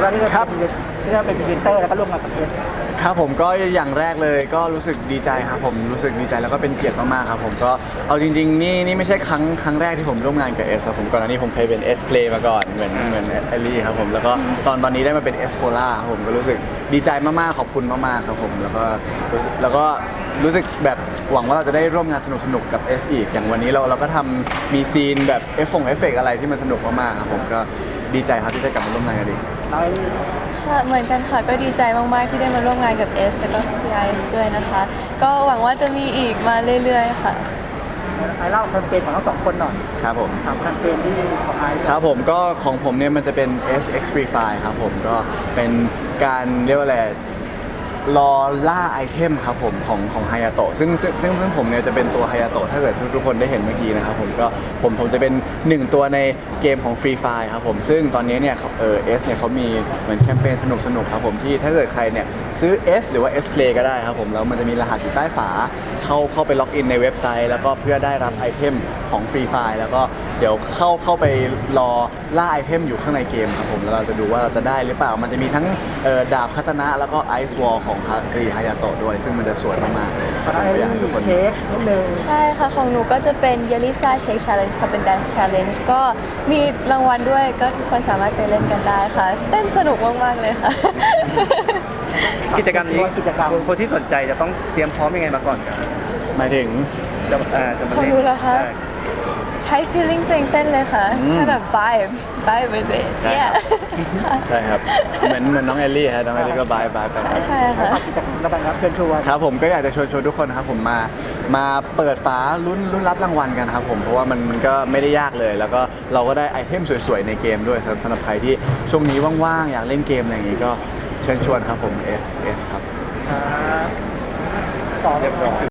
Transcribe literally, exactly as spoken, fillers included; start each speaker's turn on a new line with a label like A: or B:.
A: บ้างที่ได้
B: ครับ
A: ที่ได้เป็นพรีเซนเตอร์แล้วก็ร่วมงานกับเอส
B: ครับผมก็อย่างแรกเลยก็รู้สึกดีใจครับผมรู้สึกดีใจแล้วก็เป็นเกียรติมากๆครับผมก็เอาจริงๆนี่นี่ไม่ใช่ครั้งครั้งแรกที่ผมร่วมงานกับเอสครับผมก่อนหน้านี้ผมเคยเป็นเอสเพลย์มาก่อนเหมือนเหมือนเอลลี่ครับผมแล้วก็ตอนตอนนี้ได้มาเป็นเอสโคล่าครับผมก็รู้สึกดีใจมากๆขอบคุณมากๆครับผมแล้วก็รู้สึกแล้วก็รู้สึกแบบหวังว่าเราจะได้ร่วมงานสนุกๆกับเอสอีกอย่างวันนี้เราเราก็ทำมีซีนแบบเอฟฟงเอฟเฟกอะไรที่มันสนุกมากๆครับผมก็ดีใจครับที่ได้กลับมาร่วมงานกันอีก
A: น้อย
C: ค่ะเหมือนกันค่ะก็ดีใจมากๆที่ได้มาร่วมงานกับ S แล้วก็ พี ไอ เอส ด้วยนะคะ ก็หวังว่าจะมีอีกมาเรื่อยๆค่ะ
A: ไอเล่าแคมเปญของทั้งสองคนหน่อย
B: ครับผม
A: ถามแคมเปญที่ของไอ
B: ครับผมก็ของผมเนี่ยมันจะเป็น เอส เอ็กซ์ Free Fire ครับผมก็เป็นการเรียกว่าอะไรรอล่าไอเทมครับผมของของฮายาโตะซึ่งซึ่งซึ่งซึ่งผมเนี่ยจะเป็นตัวฮายาโตะถ้าเกิดทุกทุกคนได้เห็นเมื่อกี้นะครับผมก็ผมผมจะเป็นหนึ่งตัวในเกมของ Free Fire ครับผมซึ่งตอนนี้เนี่ยเออ S เนี่ยเขามีเหมือนแคมเปญสนุกสนุกครับผมที่ถ้าเกิดใครเนี่ยซื้อ S หรือว่า S Play ก็ได้ครับผมแล้วมันจะมีรหัสอยู่ใต้ฝาเข้าเข้าไปล็อกอินในเว็บไซต์ แล้วก็เพื่อได้รับไอเทมของ Free Fire แล้วก็เดี๋ยวเข้าเข้าไปรอล่าไอเทมอยู่ข้างในเกมครับผมแล้วเราจะดูว่าเราจะได้หรือเปล่ามันจะมีทั้งเอ่อดาบคาตานะแล้วก็ไอซ์วอลของฮารีฮายาโตะด้วยซึ่งมันจะสวยมากๆเลย
A: ขอไอ
B: อยากให้ทุกคน
A: เช็คนิดนึง
C: ใช่ค่ะ ของหนูก็จะเป็น y e l i s a Shake Challenge ค่ะเป็น Dance Challenge ก็มีรางวัลด้วยก็ทุกคนสามารถไปเล่นกันได้ค่ะเต้นสนุกมากๆเลยค่ะ
D: กิจกรรมนี้
A: กิจกรรม
D: คนคนที่สนใจจะต้องเตรียมพร้อมยังไงมาก่อนครับ
B: หมายถึง
D: จะเอ่อจะมา
C: ของ
D: เล่น
C: หนูเหรอคะ
D: ใช่
C: ใช้ feeling ตัวเองเต้นเลยค่ะ
B: อืม
C: ให้แบบ vibe vibe with it
B: ใช่
C: yeah
B: ใช่ครับเหมือนเหมือนน้องเอลลี่ฮะน้องเอลลี่ก็บายบายไป
C: ใช่ใช่ค่ะ
A: ฝากกิจกรรมระบายครับเชิญชวน
B: ครับผมก็อยากจะชวนชวนทุกคนนะครับผมมามาเปิดฝาลุ้นลุ้นรับรางวัลกันครับผมเพราะว่ามันมันก็ไม่ได้ยากเลย แล้วก็เราก็ได้ไอเทมสวยๆในเกมด้วยสำหรับสำหรับใครที่ช่วงนี้ว่างๆอยากเล่นเกมอะไรอย่างงี้ก็เชิญชวนครับผม S S ครับ
A: ต่อ